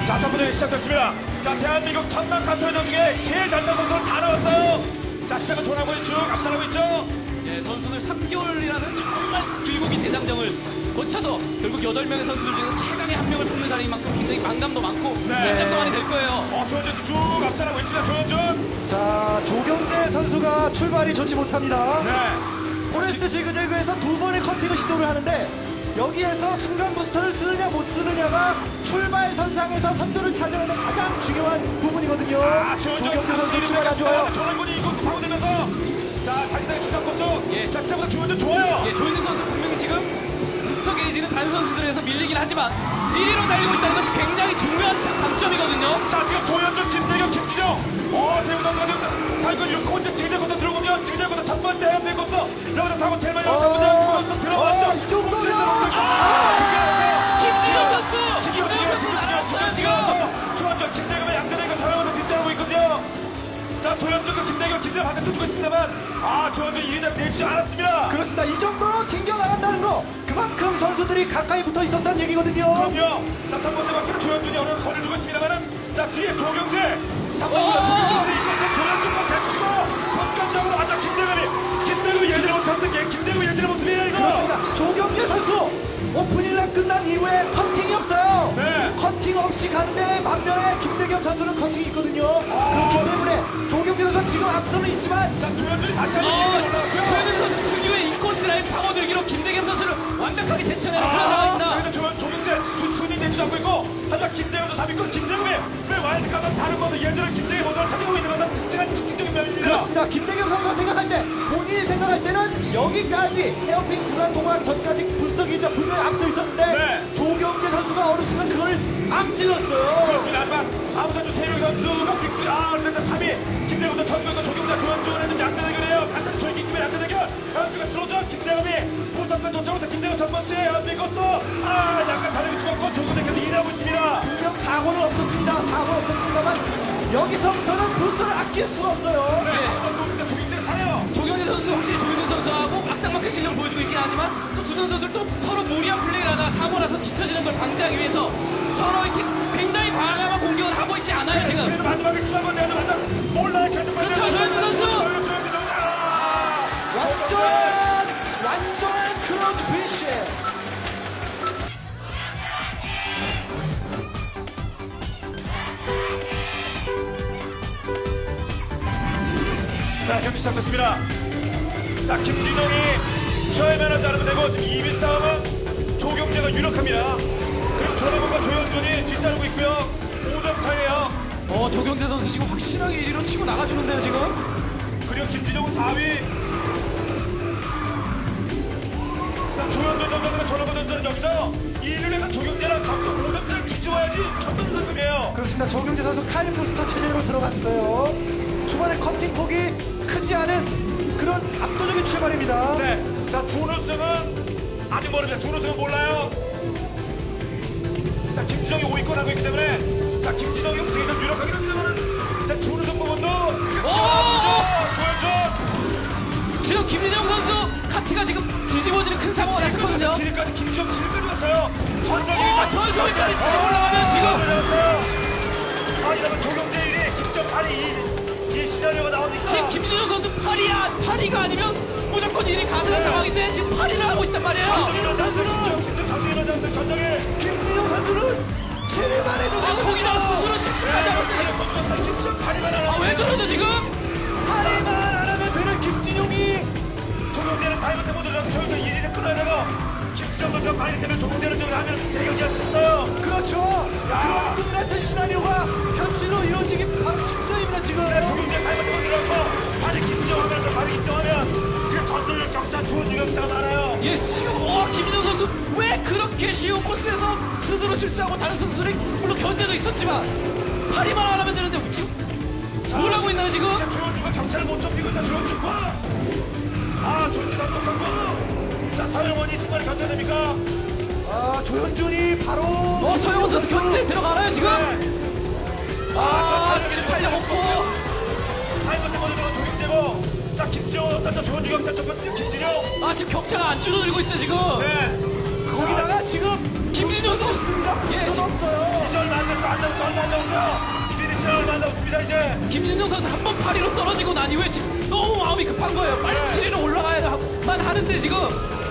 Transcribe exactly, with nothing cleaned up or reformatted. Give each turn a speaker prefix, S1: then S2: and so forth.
S1: 자, 첫 번째 시작됐습니다. 자, 대한민국 천만 카트라이더 중에 제일 잘난 선수는 다 나왔어요. 자, 시작은 조나무이 쭉 앞서가고 있죠.
S2: 예, 선수들 삼 개월이라는 정말 길고 긴 대장정을 거쳐서 결국 여덟 명의 선수들 중에서 최강의 한 명을 뽑는 자리인 만큼 굉장히 만감도 많고
S1: 네.
S2: 긴장도 많이 될 거예요.
S1: 어, 조현준 쭉 앞서가고 있습니다. 조현준.
S3: 자, 조경재 선수가 출발이 좋지 못합니다.
S1: 네.
S3: 포레스트 지그재그에서 두 번의 커팅을 시도를 하는데 여기에서 순간 부스터를 쓰느냐 못 쓰느냐가 출발 선상에서 선두를 차지하는 가장 중요한 부분이거든요.
S1: 아, 조현준
S3: 조경재 선수 출발이 안 좋아요.
S1: 조현준이 이곳 파고들면서 자, 사기당의 추상 것도
S2: 예.
S1: 자, 시작부터 조현준 좋아요.
S2: 예, 조현준 선수 분명히 지금 부스터 게이지는 다른 선수들에서 밀리긴 하지만 일 위로 달리고 있다는 것이 굉장히 중요한 강점이거든요.
S1: 자, 지금 조현준, 김대겸, 김주정. 어, 대우 선수가 지금 사이클 이렇게 혼자 지그재그부터 들어오면 지그재그부터 첫 번째 해안필 것도 여기서 사고 제일 많이 나온 첫 번째 것도 들어왔죠.
S3: 어, 이 정도면
S1: 아,
S2: 김진영 선수!
S1: 김진영
S2: 김진영 선수 나왔어요, 지금!
S1: 조현준, 김대겸의 양대대가 사랑하면서 뒤따르고 있거든요. 자, 조현준과 김대겸, 김대겸 바깥에 주고 있습니다만 아, 조현준 이 위장 내주지 않았습니다.
S3: 그렇습니다. 이 정도로 튕겨나간다는 거 그만큼 선수들이 가까이 붙어 있었다는 얘기거든요.
S1: 그럼요. 자, 첫 번째 바퀴는 조현준이 어느 정도 거리를 두고 있습니다만은 자, 뒤에 조경재 삼
S2: 어!
S1: 번보다 조경재를 이끌고 조현준과 제치고 선점적으로 아주 김대겸이 김대겸이 예전에 못쳤던 게 김대겸이 예전의 모습이에요, 이거.
S3: 그렇습니다. 조경재 선수 오프닝랩 끝난 이후에 커팅이 없어요.
S1: 네.
S3: 커팅 없이 간데 반면에 김대겸 선수는 커팅이 있거든요. 그렇기 때문에 조경재 선수 지금 앞서는 있지만
S1: 자, 조현준이 다시 한번
S2: 어,
S1: 이끌어 올라왔고요.
S2: 조현준 선수 특유의 인코스 라인 파고들기로 김대겸 선수를 완벽하게 대처해내는 그런
S1: 아,
S2: 상황입니다.
S1: 저희는 조, 조경재 수, 순위 내지도 않고 있고 하지만 김대겸도 삼 위권 김대겸이 왜 와일드카드는 다른 모습 예전에 김대겸 모습을 찾아오고 있는 것은 특징한 특징적인 면입니다.
S3: 그렇습니다. 김대겸 선수가 생각할 때 본인이 생각할 때는 여기까지 헤어핀 구간 통과하기 전까지 부스터 기자 분명히 앞서 있었는데
S1: 네.
S3: 조경재 선수가 어느 순간 그걸 앞질렀어요.
S1: 그렇습니다. 하지만 아무튼 세명 선수가 빅스 아 그런데 삼 위 김대겸도 전국과 조경자 조현준의 좀 양대대결이에요. 간단히 조이기 때문에 양대대결 현수가 스로저 김대겸이 부산편 쫓아오다 김대겸 첫 번째 현수 것도 아 약간 다르게 죽었고 조경자께서 일하고 있습니다.
S3: 분명 사고는 없었습니다. 사고는 없었습니다만 여기서부터는 부스터를 아낄 수가 없어요.
S1: 네.
S2: 예.
S1: 조경자 조경자 잘해요.
S2: 조경재 선수 확실히 조현준 선수하고 악장막힌 실력을 보여주고 있긴 하지만 또 두 선수들 또 서로 무리한 플레이를 하다가 사고 나서 뒤처지는 걸 방지하기 위해서 서로 이렇게 굉장히 과감한 공격을 하고 있지 않아요 지금.
S1: 그래도 마지막에 심한 건 내가 맞아 몰라요. 계속
S2: 그렇죠, 조현준 선수.
S1: 조현준 조현준 조현준 아
S3: 완전한 완전한 클러치 피니쉬.
S1: 자, 경기 시작됐습니다. 자, 김진영이 처음에는 자르면 되고 지금 이 위 싸움은 조경재가 유력합니다. 그리고 전원근과 조현준이 뒤따르고 있고요. 오 점 차이에요.
S2: 어 조경재 선수 지금 확실하게 일 위로 치고 나가주는데요 지금.
S1: 그리고 김진영은 사 위. 자, 조현준 선수가 전원근 선수는 여기서 이 위를 해서 조경재랑 점수 오 점 차를 뒤집어야지 천만 상금이에요.
S3: 그렇습니다. 조경재 선수 칼 부스터 체제로 들어갔어요. 초반에 커팅 폭이 크지 않은 그런 압도적인 출발입니다.
S1: 네. 자, 준우승은 아직 모릅니다. 준우승은 몰라요. 자, 김진영이 오 위권 하고 있기 때문에 자, 김진영이 우승이 좀 유력하긴 합니다만은 자, 준우승 부분도 그게 지켜봐야죠. 조현준.
S2: 지금 김민정 선수 카트가 지금 뒤집어지는 큰 사고가 났었거든요.
S1: 지리까지 김지영 지리까지 왔어요. 전성이
S2: 어, 전성기까지 치고 올라가면 지금.
S1: 아, 이러면 조경재 일 위, 김정 팔 위 이, 이 시나리오가 나오니까
S2: 지금 김진영 선수 팔 위야 팔 위가 아니면 무조건 일 위 가능한 상황인데 지금 팔 위를 하고 있단 말이에요.
S1: 전성이 선수 김정, 김정, 전성이 선수 전성이
S3: 김진영 선수는 칠 위 만에도
S2: 아 거기다가 스스로 실수까지 하고 있어요.
S1: 김정 팔 위만 하나.
S2: 아 왜 저러죠 지금?
S3: 팔 위만 안 하면 되는 김진용이
S1: 조경재는 타이머 때 못들어가고 조경재 일 위를 끊어야 되고 김지영 선수가 빨리 때문에 조경재는 저기 하면 제격이 했어요.
S3: 그렇죠. 그런 꿈 같은 시나리오가 현실로 이루어지기 바로 직전입니다 지금.
S1: 조경재 타이머 때 못들어가고 빨리 김지영 하면 또 빨리 김지영 하면 그 전술력 격차 좋은 유격차가 많아요.
S2: 예 지금 와 김민정 선수 왜 그렇게 쉬운 코스에서 스스로 실수하고 다른 선수들이 물론 견제도 있었지만 팔 위만 안 하면 되는데 지금 뭘 하고 있나요 지금?
S1: 이제 조현준과 격차를 못 좁히고 있다. 조현준과 아 조현준 감독하고 자 서영원이 정말 견제됩니까?
S3: 아 조현준이 바로
S2: 어 서영원 선수 견제 들어가나요 지금? 아 지금 탄력 없고
S1: 타이머 때 먼저 들어간 조경재고 자 김지영 자 조현준 격차 좁혔으면 김진영
S2: 아 지금 격차가 안 줄어들고 있어요 지금.
S1: 네
S3: 거기다가
S2: 지금 김진영 선수
S3: 없습니다.
S2: 예,
S3: 돈
S2: 지금
S3: 없어요.
S1: 이제 얼마 안 됐어. 안 남았어. 얼마 안 남았어. 피니시 얼마 안 남았습니다. 이제.
S2: 김진영 선수 한 번 파리로 떨어지고 난 이후에 지금 너무 마음이 급한 거예요. 빨리
S1: 네.
S2: 칠 위로 올라가야만 하는데 지금